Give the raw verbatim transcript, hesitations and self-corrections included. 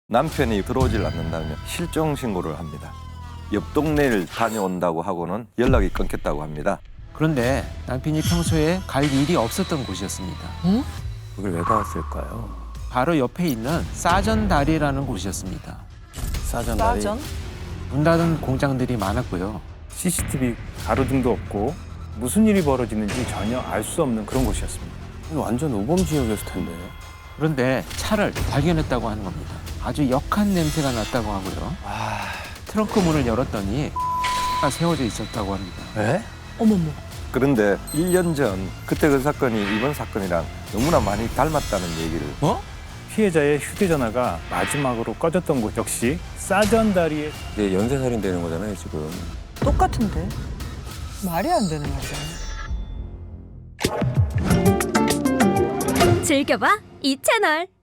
남편이 들어오질 않는다면 실종 신고를 합니다. 옆 동네를 다녀온다고 하고는 연락이 끊겼다고 합니다. 그런데 남편이 평소에 갈 일이 없었던 곳이었습니다. 여길 왜 가왔을까요? 바로 옆에 있는 싸전다리라는 곳이었습니다. 싸전다리. 싸전? 문 닫은 공장들이 많았고요. 씨씨티비 가로등도 없고 무슨 일이 벌어지는지 전혀 알 수 없는 그런 곳이었습니다. 이거 완전 우범 지역이었을 텐데. 그런데 차를 발견했다고 하는 겁니다. 아주 역한 냄새가 났다고 하고요. 트렁크 문을 열었더니 가 세워져 있었다고 합니다. 에? 어머머. 그런데 일 년 전 그때 그 사건이 이번 사건이랑 너무나 많이 닮았다는 얘기를 뭐? 피해자의 휴대전화가 마지막으로 꺼졌던 곳 역시 싸전다리에 이게 연쇄살인 되는 거잖아요, 지금. 똑같은데? 말이 안 되는 말이야. 즐겨봐 이 채널.